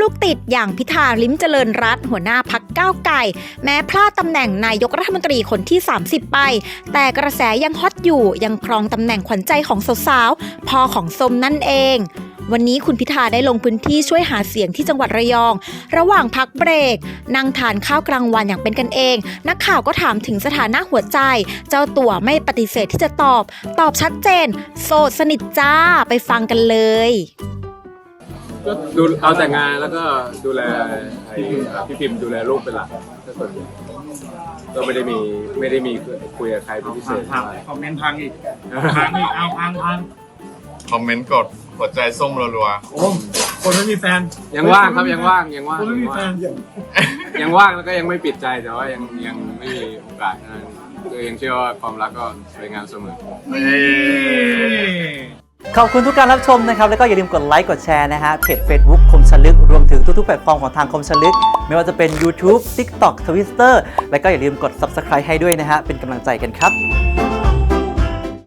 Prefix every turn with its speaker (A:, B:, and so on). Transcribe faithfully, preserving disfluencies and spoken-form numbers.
A: ลูกติดอย่างพิธาลิ้มเจริญรัตน์หัวหน้าพรรคก้าวไกลแม้พลาดตำแหน่งนายกรัฐมนตรีคนที่สามสิบไปแต่กระแสยังฮอตอยู่ยังครองตำแหน่งขวัญใจของสาวๆพ่อของส้มนั่นเองวันนี้คุณพิธาได้ลงพื้นที่ช่วยหาเสียงที่จังหวัดระยองระหว่างพักเบรกนั่งทานข้าวกลางวันอย่างเป็นกันเองนักข่าวก็ถามถึงสถานะหัวใจเจ้าตัวไม่ปฏิเสธที่จะตอบตอบชัดเจนโสดสนิทจ้าไปฟังกันเลย
B: ก็ดูเอาแต่งานแล้วก็ดูแลไอ้พี่พิมพ์ดูแลลูกเป็นหลักก็ส่วนใหญ่ก็ไม่ได้มีไม่ได้มีคุยกับใครเป็นพิเศษ
C: คอมเมนต์พังอีกพังอีกเอาพังพัง
D: คอมเมนต์กดหัวใจส้มรัว
C: ๆโอ้คนไม่มีแฟน
B: ยังว่างครับยังว่างยังว่าง
C: คนไม่มีแฟน
B: ยังว่างแล้วก็ยังไม่ปิดใจแต่ว่ายังยังไม่มีโอกาสนั้นตัวเองเชื่อว่าความรักก็สวยงามเสมอ
E: ขอบคุณทุกการรับชมนะครับแล้วก็อย่าลืมกดไลค์กดแชร์นะฮะเพจ Facebook คมชลึกรวมถึงทุกๆแพลตฟอร์มของทางคมชลึกไม่ว่าจะเป็น YouTube TikTok Twitter แล้วก็อย่าลืมกด Subscribe ให้ด้วยนะฮะเป็นกำลังใจกันครับ